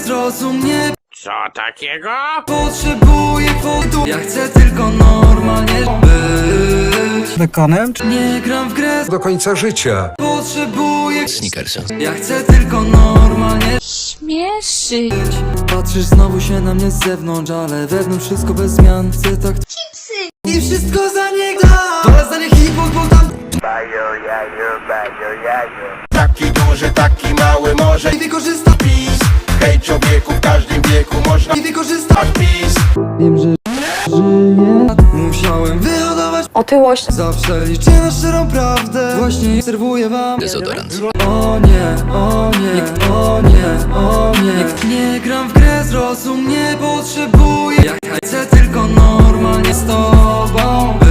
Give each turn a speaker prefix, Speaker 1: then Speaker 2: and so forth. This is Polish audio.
Speaker 1: zrozum mnie.
Speaker 2: Co takiego?
Speaker 1: Potrzebuję kwotu, ja chcę tylko normalnie być.
Speaker 3: Bekonem?
Speaker 1: Nie gram w grę
Speaker 4: Do końca życia.
Speaker 1: Potrzebuję
Speaker 5: Snickersa.
Speaker 1: ja chcę tylko normalnie
Speaker 6: Śmieszy.
Speaker 1: Patrzysz znowu się na mnie z zewnątrz, ale wewnątrz wszystko bez zmian. Chcę tak chipsy i wszystko za nie dam. To za nie hip-hop, bo tam
Speaker 7: Taki duży, taki mały, może
Speaker 1: i wykorzysta
Speaker 7: PiS. Hej człowieku, w każdym wieku można
Speaker 1: i wykorzysta
Speaker 7: PiS.
Speaker 1: Wiem, że żyję. Musiałem wyhodować
Speaker 6: Otyłość.
Speaker 1: zawsze liczę na szczerą prawdę. Właśnie serwuję wam
Speaker 5: Dezodorant.
Speaker 1: o nie, o nie, o nie, o nie. Nie gram w grę, zrozum mnie, potrzebuję ja chcę tylko normalnie z tobą